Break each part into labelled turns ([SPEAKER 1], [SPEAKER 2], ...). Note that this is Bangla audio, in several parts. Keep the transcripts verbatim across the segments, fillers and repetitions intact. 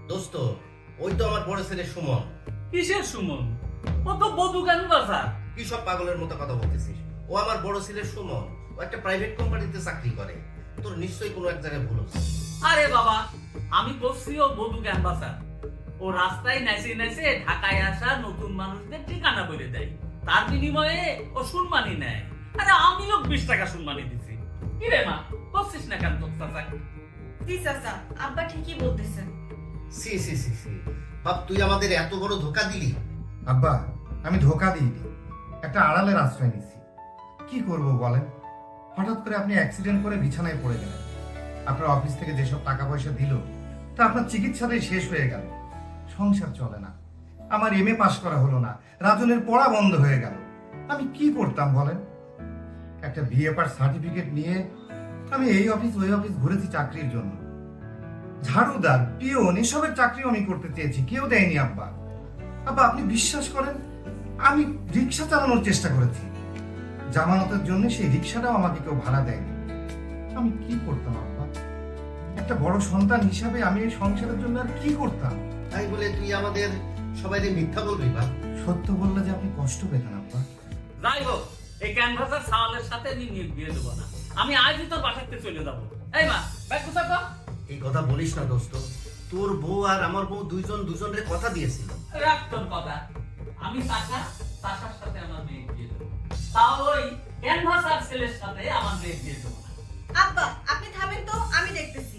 [SPEAKER 1] দোস্ত, ওই তো আমার বড় ছেলে সুমন।
[SPEAKER 2] কিসের সুমন? ও তো বধু কেন বাসা?
[SPEAKER 1] কি সব পাগলের মতো কথা বলতেছিস? ও আমার বড় ছেলে সুমন, ও একটা প্রাইভেট কোম্পানিতে চাকরি করে। তোর নিশ্চয়ই কোনো এক জায়গায় ভুল হচ্ছে।
[SPEAKER 2] আরে বাবা, আমি করছি ও বধু ক্যাম্পাসার। ও রাস্তায় নেচে নেচে ঢাকায় আসা নতুন মানুষদের ঠিকানা বলে দেয়, তার বিনিময়ে ও সম্মানই নেয়। আরে আমিও বিশ টাকা সম্মানী দিছি। কি রে মা, করছিস না কেন তোর চাচা?
[SPEAKER 3] জি চাচা, আব্বা ঠিকই বলতেছেন।
[SPEAKER 1] সি সি সি সি বাপ, তুই আমাদের এত বড় ধোকা দিলি।
[SPEAKER 4] আব্বা, আমি ধোকা দিইনি, একটা আড়ালের আশ্রয় নিছি। কি করব বলেন? হঠাৎ করে আপনি অ্যাক্সিডেন্ট করে বিছানায় পড়ে গেলেন। আপনার অফিস থেকে যেসব টাকা পয়সা দিল তা আপনার চিকিৎসাটাই শেষ হয়ে গেল। সংসার চলে না, আমার এম এ পাশ করা হলো না, রাজনের পড়া বন্ধ হয়ে গেল। আমি কি করতাম বলেন? একটা বিএ পাস সার্টিফিকেট নিয়ে আমি এই অফিস ওই অফিস ঘুরেছি চাকরির জন্য। ঝাড়ুদার, পিওন এসবের চাকরিও আমি করতে চেয়েছি, কেউ দেয়নি আব্বা। আব্বা, আপনি বিশ্বাস করেন, আমি রিক্সা চালানোর চেষ্টা করেছি। জামানতের জন্য সেই রিক্সাটাও আমাকে কেউ ভাড়া দেয়নি। আমি কি করতাম আব্বা? একটা বড় সন্তান হিসাবে আমি এই সংসারের জন্য আর কি করতাম?
[SPEAKER 1] তাই বলে তুই আমাদের সবাই মিথ্যা বলবি বাপ?
[SPEAKER 4] সত্য বললে যে আপনি কষ্ট পেতেন আব্বা।
[SPEAKER 2] যাই হোক, এই ক্যানভাসের সাওয়ালের সাথে আমি নিয়োগ দিয়ে দেবো না। আমি আজই তোর বাসাতে চলে যাবো। এই মা, ব্যাগ কোথায় গো?
[SPEAKER 1] এই কথা বলিস না দোস্ত, তোর বউ আর আমার বউ দুইজন দুজনের কথা দিয়েছিল।
[SPEAKER 2] রাখ তোর কথা। আমি চাচা, চাচার সাথে আমার মেয়ে দিয়ে দেবো। তাও ওই ক্যানভাস আর ছেলের সাথে আমার মেয়ে দিয়ে দেবো না।
[SPEAKER 3] আব্বা, আপনি থামেন তো, আমি দেখতেছি।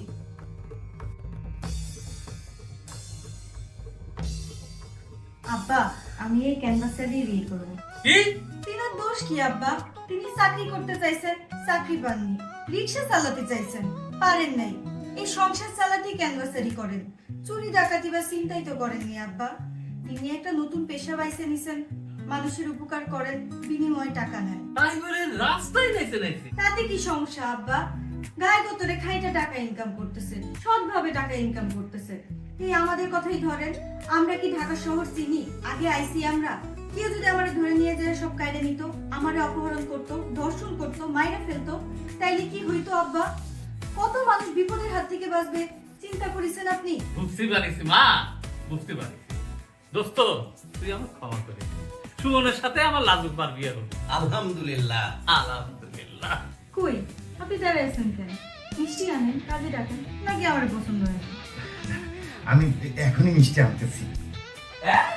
[SPEAKER 3] আব্বা, আমি এই ক্যানভাসেরই বিয়ে করব।
[SPEAKER 2] কি?
[SPEAKER 3] তিনার দোষ কি আব্বা? তিনি চাকরি করতে চাইছেন, চাকরি পাননি। রিক্সা চালাতে চাইছেন, পারেন নাই। এই সংসার চালাতে ক্যানভাসেরই করেন। চুরি ডাকাতি বা চিন্তাই তো করেননি আব্বা। তিনি একটা নতুন পেশা বাইছে নিছেন, মানুষের উপকার করেন, বিনিময়ে টাকা নেন।
[SPEAKER 2] তাই বলে রাস্তায় নেচে নেচে?
[SPEAKER 3] তাতে কি সমস্যা আব্বা? গায়ে গতরে খাইটা টাকা ইনকাম করতেছে, সৎভাবে টাকা ইনকাম করতেছে। এই আমাদের কথাই ধরেন, আমরা কি ঢাকা শহর চিনি? আগে আইসি আমরা। কেউ যদি আমার ধরে নিয়ে যায় সব কায়দা নিত, আমারে অপহরণ করত, ধর্ষণ করত, মাইরা ফেলতো, তাইলে কি হইতো আব্বা? কত মানুষ বিপদের হাত থেকে বাঁচবে চিন্তা করেছেন আপনি?
[SPEAKER 2] বুঝতে পারিস মা, বুঝতে পারিস। দোস্ত, তুই আমার ক্ষমা করে দে। সুমনের সাথে আমার লাজুক বার বিয়ে হলো।
[SPEAKER 1] আলহামদুলিল্লাহ।
[SPEAKER 2] আলহামদুলিল্লাহ।
[SPEAKER 3] কই আপনি দাঁড়াইছেন কেন? মিষ্টি আনেন, কাজে ডাকেন, নাকি আমার পছন্দ হয় না?
[SPEAKER 4] আমি এখনই মিষ্টি আনতেছি।
[SPEAKER 2] হ্যাঁ?